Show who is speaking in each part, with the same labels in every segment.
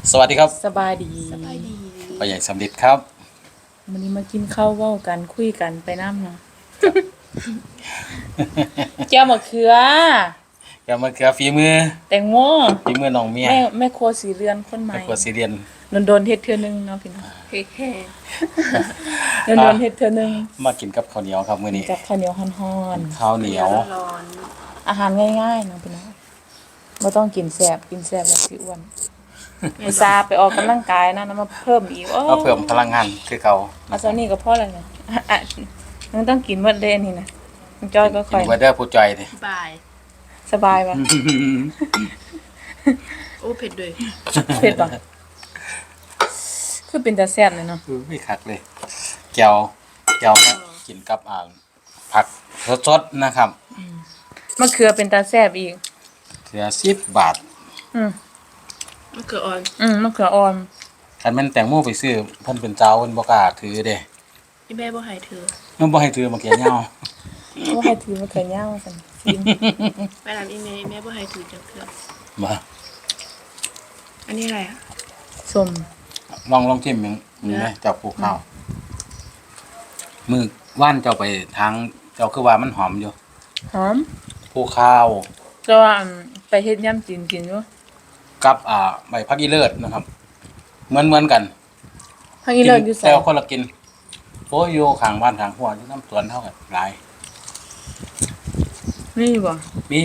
Speaker 1: สวัสดีครับ
Speaker 2: สบายดี
Speaker 1: พ่อใหญ่สำลิดครับ
Speaker 2: วันนี้มากินข้าวเว้ากันคุยกันไปน้ำเนาะแก้วมะเขือ
Speaker 1: อย่ามาเกือฝีมือ
Speaker 2: แตงโม
Speaker 1: ฝีมือน้องเมีย
Speaker 2: แม่ครัวสีเรือนคนใหม่
Speaker 1: แม่ครัวซีเรียน
Speaker 2: โดนๆเฮ็ดเทื่อนึงเนาะพี่น้องโดนๆเฮ็ดเทื่อนึง
Speaker 1: มากินกับข้าวเหนียวครับมื้อนี้
Speaker 2: กับข้าวเหนียวฮ้อน
Speaker 1: ข้าวเหนียว
Speaker 2: ๆอาหารง่ายๆเนาะพี่น้องบ่ต้องกินแซ่บแล้วสิอ้วนอุตส่าห์ไปออกกำลังกายนะแล้วมาเพิ่มอีกโอ้
Speaker 1: มาเพิ่มพลังงานคือเก่า
Speaker 2: เอาซะนี่ก็พอแล้วเนี่ยมันต้องกินหมดเด้อันนี่นะมันจ้อยก็ค่อย
Speaker 1: กินเบิดเด้อผู้จอยดิ
Speaker 3: บาย
Speaker 2: สบายป่ะ
Speaker 3: โอ้เผ็ดด้วย
Speaker 2: เผ็ดป่ะคือเป็นตาแซ่บเลยเนาะ
Speaker 1: ไม่คักเลยแก้วครับกินกับผักสดๆนะครับ
Speaker 2: มะเขือเป็นตาแซ่บอีก
Speaker 1: เทื่อ10 บาท
Speaker 3: มะเขืออ่อน
Speaker 2: มะเขืออ่อน
Speaker 1: คันแม่นแตงโมไปซื้อเพิ่นเป็นเจ้าเพิ่นบ่กล้าถือเด้
Speaker 3: พี่แม่บ่ให้เธอ
Speaker 1: มันบ่ให้ถือมะเขือยาว
Speaker 2: บ่ให้ถือมะเขือยาวซั่นซิม
Speaker 3: ไปถามอีแม่บ่ให้ถือจังเทื่อ
Speaker 1: บ่
Speaker 3: อันนี้อะไรอ่ะ
Speaker 2: ส้ม
Speaker 1: ลองชิมมึงได้เจ้าปลูกข้าวมื้อว่านเจ้าไปทางเจ้าคือว่ามันหอมอยู่
Speaker 2: หอม
Speaker 1: ปลูกข้าว
Speaker 2: แต่ว่าไปเฮ็ดยำจีนกินอยู่
Speaker 1: กับใบผักอีเลิศนะครับเหมือนกัน
Speaker 2: ผักอีเลิศอยู่ไส
Speaker 1: แต่คนละกินโอ้ยอยู่ข้างบ้านข้างหัวอยู่น้ำสวนเท่ากันหลาย
Speaker 2: มีบ่
Speaker 1: มี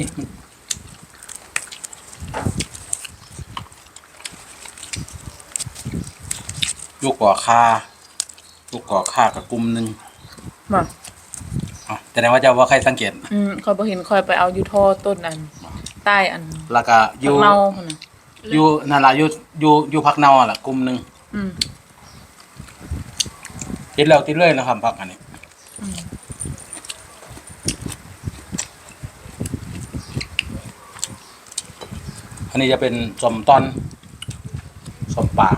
Speaker 1: ลูกก่อค่ากับกลุ่มนึง
Speaker 2: บ่
Speaker 1: แต่ว่าเจ้าว่าใครสังเกต
Speaker 2: ค่อยบ่เห็นค่อยไปเอาอยู่ท่อต้นอันใต้อัน
Speaker 1: แล้วก็อยู่
Speaker 2: เน่าพุ่นน่ะ
Speaker 1: อยู่นั่นล่ะอยู่ผักเน่าล่ะกลุ่มนึงติดแล้วติดเลยนะครับผักอันนี้อันนี้จะเป็นสมตอนสมป่า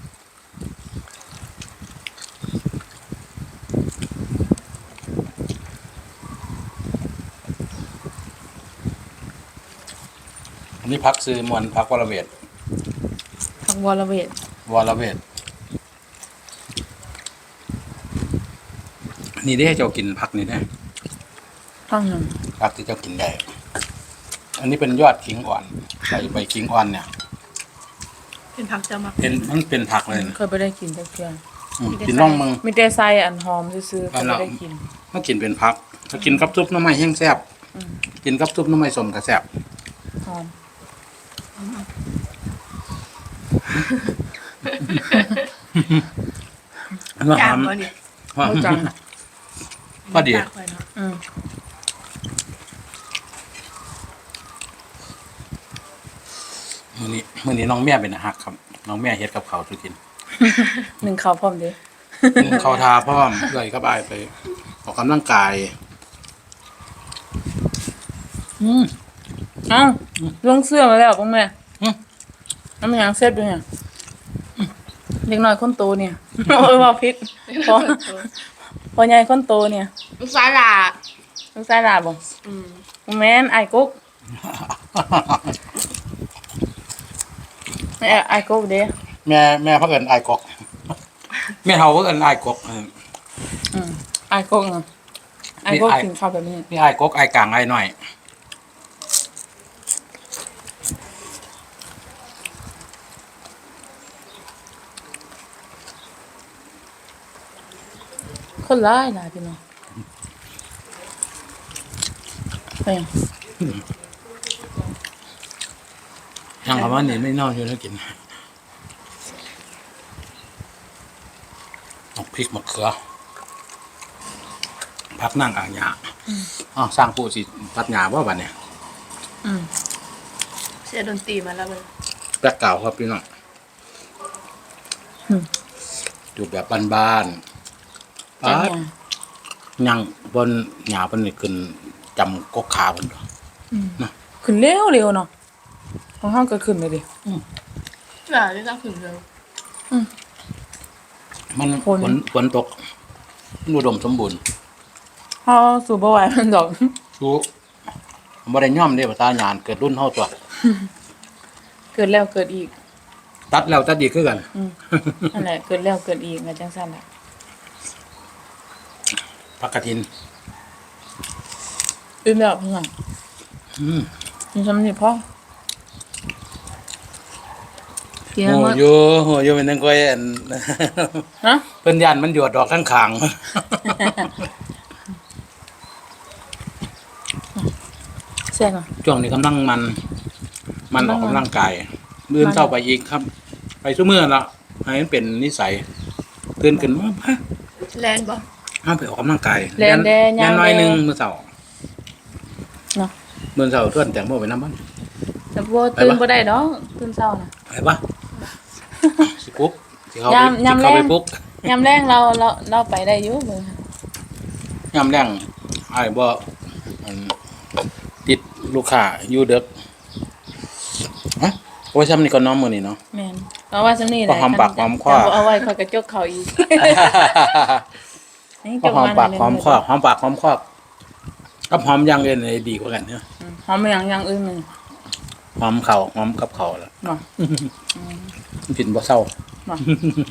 Speaker 1: อันนี้พักซื้อมวนพักวรเวท
Speaker 2: ผักวรเวท
Speaker 1: นี่ได้เจ้ากินผักนี่ได้
Speaker 2: ผักหยัง
Speaker 1: ผักที่เจ้ากินได้อันนี้เป็นยอดขิงอ่อนใบขิงอ่อนเนี่ย
Speaker 3: เป็นผักจะมัก
Speaker 1: มันเป็นผักเลย
Speaker 2: เคยบ่ได้กินจักเทื่อ
Speaker 1: กินน่องมึง
Speaker 2: มีแต่ใส่อันหอมซื่อๆก็บ่ได้กิน
Speaker 1: ถ้ากินเป็นผักถ้ากินกับซุปหน่อไม้แห้งแซ่บกินกับซุปหน่อไม้ส้มก็แซ่บ
Speaker 2: หอม
Speaker 1: อันว่าหอม
Speaker 2: บ่จัง
Speaker 1: พอดีมื้อนี้น้องแม่เป็นอาหารครับน้องแม่เฮ็ดกับข้าวสุกิน
Speaker 2: นึ่งข้าวพร้อมเด้
Speaker 1: ข้าวทาพร้อมเลยกับอ้ายไปออกกำลังกาย
Speaker 2: เอ้าลงเสื้อมาแล้วป่ะแม่น้ำมันยังเสร็จด้วยเนี่ยเด็กน้อยคนโตเนี่ยว่าพิษพอใหญ่คนโตเนี่ย
Speaker 3: ลูกสาวหลา
Speaker 2: ลูกชายหลาบ่แม่นไอ้กุ๊กไอ้กุ๊กเด้
Speaker 1: แม่เพิ่นเอิ้นอ้ายกกแม่เฒ่าเพิ่นเอิ้นอ้ายกก
Speaker 2: ไอ้กุ๊กน่ะไอ้กุ๊กกินข้าวแบบนี้
Speaker 1: นี่อ้ายกกอ้ายกลางอ้ายน้อย
Speaker 2: คนร้ายหลายพี่น้องไป
Speaker 1: ยังคำว่านี่ไม่นอนอยู่แล้วกินพริกมะเขือพักนั่งอ่างหญ้าสร้างผู้สิตัดหญ้าบ่บัดเนี่ย
Speaker 3: เสียดนตรีมาแล้วเลย
Speaker 1: แปลกเก่าครับพี่น้องอยู่แบบบ้านยังบนหญ้าเพิ่นนี่ขึ้นจำกกขาเพิ่น
Speaker 2: นะขึ้นเร็วเนาะของเฮาก็ขึ้นเลยดิ
Speaker 3: ได้ต้องขึ้นเร็ว
Speaker 1: มันฝนตกอุดมสมบูรณ์
Speaker 2: เฮาสู้บ่ไหวมันดอก
Speaker 1: สู้บ่ได้ย่อมเด้ภาษาหยานเกิดรุ่นเฮาตัว
Speaker 2: เกิดแล้วเกิดอีก
Speaker 1: ตัดแล้วตัดอีกคือกัน
Speaker 2: นั่นแหละเกิดแล้วเกิดอีกก็จังซั่นแหละ
Speaker 1: ผักกระถิน
Speaker 2: อิ่มแล้วเพิ่นว่า
Speaker 1: อืม
Speaker 2: มีซ้ำนี่พอกิน
Speaker 1: โห
Speaker 2: แล้ว
Speaker 1: อยู่เป็นจังก้อยอัน
Speaker 2: ฮะ
Speaker 1: เพิ่นย่านมันหยวดดอกข้างขาง
Speaker 2: แซ่บอ่ะ
Speaker 1: ช่วงนี้กำลังมันออกกำลังกายมื้อเช้าไปอีกครับ ไปซุมื้อละให้มันเป็นนิสัยตื่นขึ้นมาฮะ
Speaker 3: แลนบ่
Speaker 1: เอาไปออกกำลังกาย
Speaker 2: แลนแดง
Speaker 1: แล่นน้อยหนึงมื้อเช้า
Speaker 2: เนาะ
Speaker 1: มื้อเช้าชวนแตงโมไปนำบ้าน
Speaker 2: แต่บ่ตื่นบ่ได้ดอกตื่นเช้าน่ะ
Speaker 1: ไปปะสิปลุ๊กสิเข้าไป
Speaker 2: ยาม
Speaker 1: สิเข้าไป
Speaker 2: แลง
Speaker 1: ปลุ๊ก
Speaker 2: ยามแรงเราไปได้อยู่เบิ่ง
Speaker 1: ยามแรงอ้ายบ่อันติดลูกค้าอยู่เด็กฮะโอ้ยซ้ำนี่ก็น้อมมื้อนี้เนาะ
Speaker 2: แม่นเอาว่าซำนี้แห
Speaker 1: พอ
Speaker 2: ละ
Speaker 1: หอมปากหอมคอ
Speaker 2: แต่บ่เอาไว้ค่อยกระจกเขาอีกนี่
Speaker 1: ก็หอมปากหอมคอ
Speaker 2: อ
Speaker 1: หอมปากหอมคอกับหอมอย่างอื่นเลยดีกว่ากันเนาะ
Speaker 2: หอมอย่างอื่นมัน
Speaker 1: หอมเข่าหอมกับเข่าแล้ว
Speaker 2: เนาะ
Speaker 1: กินบ่เศร้า
Speaker 2: เนาะ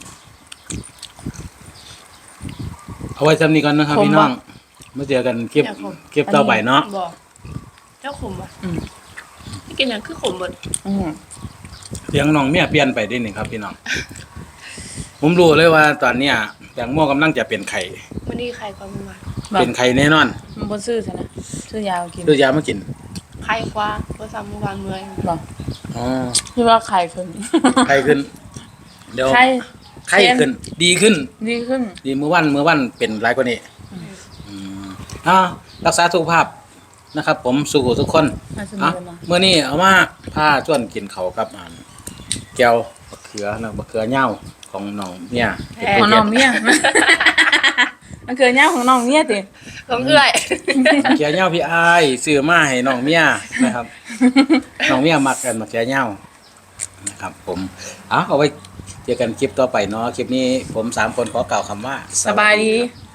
Speaker 1: เอาไว้ซ้ำนี้ก่อนนะครับ
Speaker 2: ผม
Speaker 1: พี่น้อง
Speaker 2: ว่า
Speaker 1: มาเจอกันคลิปต่อไปเนาะ
Speaker 3: บ่เจ้าขมบ่
Speaker 2: อืม
Speaker 3: ไม่กินหยังคือขมเบิด
Speaker 2: อืม
Speaker 1: เสียงน้องเมียเปลี่ยนไปได้นี่ครับพี่น้อง ผมรู้เลยว่าตอนเนี้ยแตงโมกำลังจะเป็นไข่
Speaker 3: มื้อนี้ใครก็บ่มา
Speaker 2: แบบ
Speaker 1: เป็นไข่แน่นอน
Speaker 2: มันบ่ซื้อซะนะซื้อยาวกิน
Speaker 1: ซื้อยามากิน
Speaker 3: ใครกว่าบ่ซ้ำเมื่อวานเมื่อย
Speaker 2: บ่
Speaker 1: อ๋อ
Speaker 2: ที่ว่าไข่ขึ้น
Speaker 1: ไข่ขึ้น เดี๋ยว
Speaker 2: ไข่
Speaker 1: ไข่ขึ้น ดีขึ้น
Speaker 2: ดีขึ้น
Speaker 1: ดีเมื่อวันเป็นหลายกว่านี้อ่ารักษาสุขภาพนะครับ ผมสู้ทุกคน
Speaker 2: มาสนุ
Speaker 1: อ่ะ
Speaker 2: กกันเนาะ
Speaker 1: เมื่อนี้เอามาผ้าชวนกินเขาวกับแก้วมะเขือนะมะเขือเหย้าของน้องเนี่ยเป็น
Speaker 2: ข
Speaker 1: ตัว
Speaker 2: อง
Speaker 1: เดี
Speaker 2: น้
Speaker 1: ย
Speaker 2: อ
Speaker 1: ว
Speaker 2: งเมีย มันเกิดยาวของน้องเมียติ
Speaker 3: ของเอื้อย
Speaker 1: มะเขือเหย้าพี่อ้ายซื้อมาให้น้องเมียนะครับ น้องเมียมักกันมะเขือเหย้านะครับ ผมเอาไว้เจอกันคลิปต่อไปเนาะคลิปนี้ผม3 คนขอกล่าวคำว่า
Speaker 2: สบายดี
Speaker 1: ครับ